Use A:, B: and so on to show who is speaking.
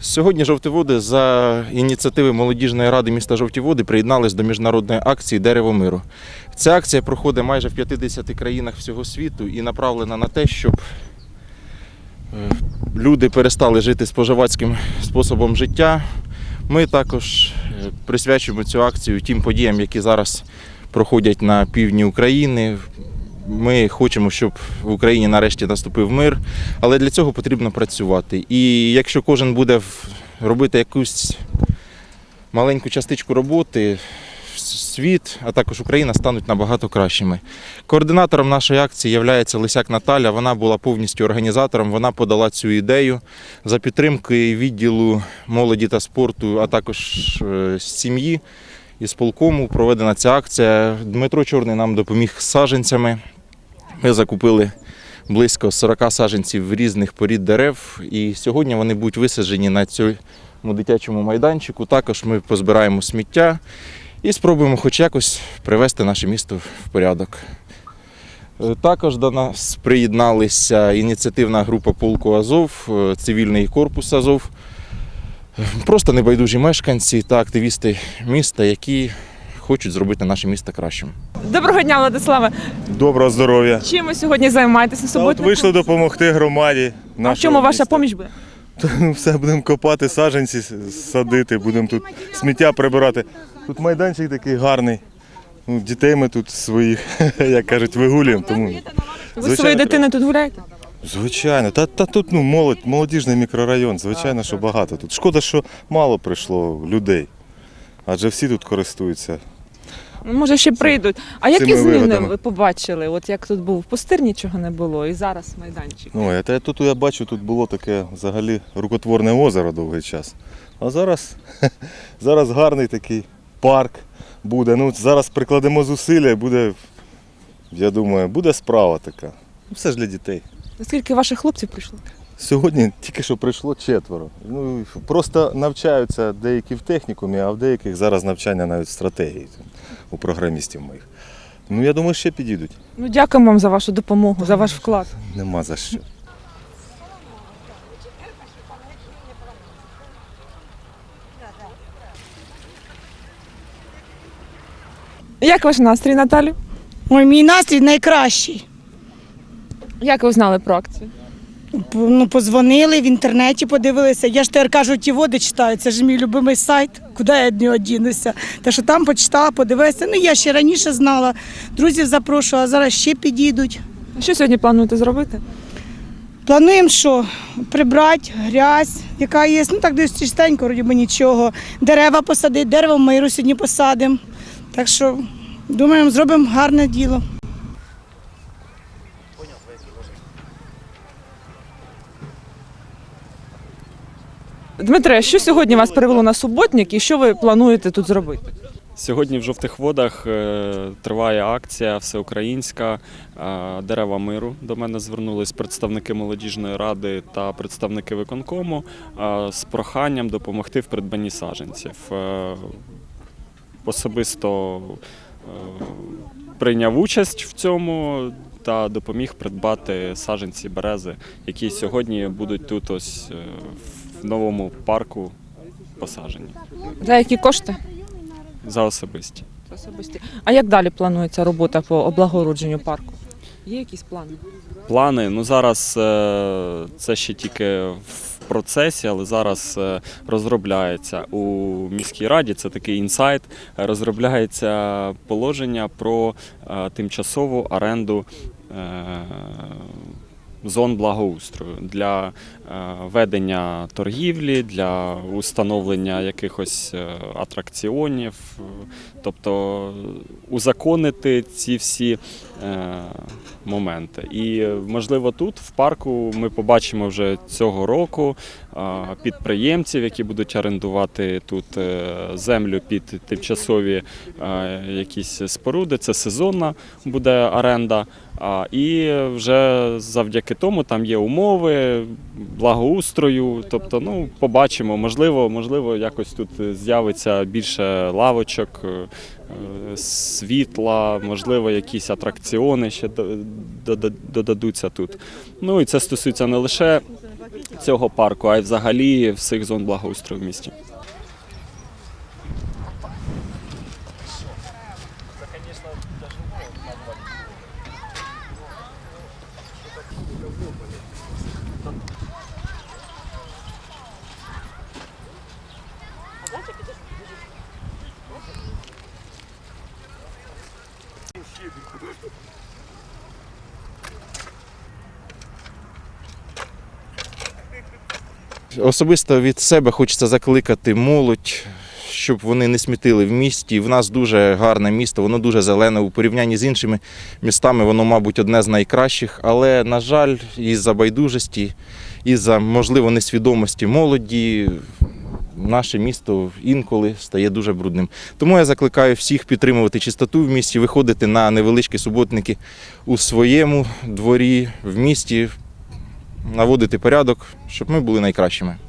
A: Сьогодні жовті води за ініціативи молодіжної ради міста Жовті Води приєднались до міжнародної акції «Дерево миру». Ця акція проходить майже в 50 країнах всього світу і направлена на те, щоб люди перестали жити споживацьким способом життя. Ми також присвячуємо цю акцію тим подіям, які зараз проходять на півдні України. Ми хочемо, щоб в Україні нарешті наступив мир, але для цього потрібно працювати. І якщо кожен буде робити якусь маленьку частичку роботи, світ, а також Україна стануть набагато кращими. Координатором нашої акції є Лисяк Наталя. Вона була повністю організатором, вона подала цю ідею. За підтримкою відділу молоді та спорту, а також сім'ї і сполкому проведена ця акція. Дмитро Чорний нам допоміг з саджанцями. Ми закупили близько 40 саджанців різних порід дерев, і сьогодні вони будуть висаджені на цьому дитячому майданчику. Також ми позбираємо сміття і спробуємо хоч якось привести наше місто в порядок. Також до нас приєдналися ініціативна група полку Азов, цивільний корпус Азов, просто небайдужі мешканці та активісти міста, які хочуть зробити наше місто кращим.
B: Доброго дня, Владиславе.
C: Доброго здоров'я.
B: Чим ви сьогодні займаєтеся на суботнику?
C: Вийшли допомогти громаді.
B: А в чому ваша поміч буде?
C: Все, будемо копати, саджанці садити, будемо тут сміття прибирати. Тут майданчик такий гарний. Дітей ми тут своїх, як кажуть, вигулюємо. Тому,
B: Ви своєю дитиною тут гуляєте?
C: Звичайно. Та тут молодіжний мікрорайон, звичайно, що багато тут. Шкода, що мало прийшло людей, адже всі тут користуються.
B: Може, ще прийдуть. А які
C: цими
B: зміни
C: вигодами.
B: ви побачили? От як тут був пустир, нічого не було, і зараз майданчик.
C: Тут я бачу, тут було таке взагалі рукотворне озеро довгий час. А зараз гарний такий парк буде. Зараз прикладемо зусилля і буде, я думаю, буде справа така. Все ж для дітей.
B: Скільки ваших хлопців прийшло?
C: Сьогодні тільки що прийшло 4. Просто навчаються деякі в технікумі, а в деяких зараз навчання навіть в стратегії у програмістів моїх. Я думаю, ще підійдуть.
B: Дякуємо вам за вашу допомогу, за ваш вклад.
C: Нема за що.
B: Як ваш настрій, Наталю?
D: Ой, мій настрій найкращий.
B: Як ви знали про акцію?
D: Позвонили, в інтернеті подивилися. Я ж тепер кажу, ті води читаю, це ж мій любимий сайт, куди я від нього дінуся. Так що там почитала, подивилася. Я ще раніше знала, друзів запрошувала, а зараз ще підійдуть.
B: Що сьогодні плануєте зробити?
D: Плануємо, що прибрати грязь, яка є, так десь чистенько, вроді би нічого. Дерева посадити, дерево миру сьогодні посадимо. Так що, думаємо, зробимо гарне діло.
B: Дмитре, що сьогодні вас привело на суботник і що ви плануєте тут зробити?
E: Сьогодні в Жовтих Водах триває акція всеукраїнська «Дерева миру». До мене звернулись представники молодіжної ради та представники виконкому з проханням допомогти в придбанні саджанців. Особисто прийняв участь в цьому та допоміг придбати саджанці берези, які сьогодні будуть тут ось в новому парку посаджені.
B: За які кошти?
E: За особисті.
B: Особисті. А як далі планується робота по облагородженню парку? Є якісь плани?
E: Плани, зараз це ще тільки в процесі, але зараз розробляється у міській раді, це такий інсайт, розробляється положення про тимчасову оренду зон благоустрою для ведення торгівлі, для установлення якихось атракціонів, тобто узаконити ці всі моменти. І, можливо, тут, в парку, ми побачимо вже цього року підприємців, які будуть орендувати тут землю під тимчасові якісь споруди. Це сезонна буде оренда. І вже завдяки тому там є умови благоустрою, тобто, побачимо, можливо, якось тут з'явиться більше лавочок, світла, можливо, якісь атракціони ще додадуться тут. І це стосується не лише цього парку, а й взагалі всіх зон благоустрою в місті.
A: Особисто від себе хочеться закликати молодь, щоб вони не смітили в місті. В нас дуже гарне місто, воно дуже зелене. У порівнянні з іншими містами воно, мабуть, одне з найкращих. Але, на жаль, із-за байдужості, із-за, можливо, несвідомості молоді, наше місто інколи стає дуже брудним. Тому я закликаю всіх підтримувати чистоту в місті, виходити на невеличкі суботники у своєму дворі, в місті, наводити порядок, щоб ми були найкращими.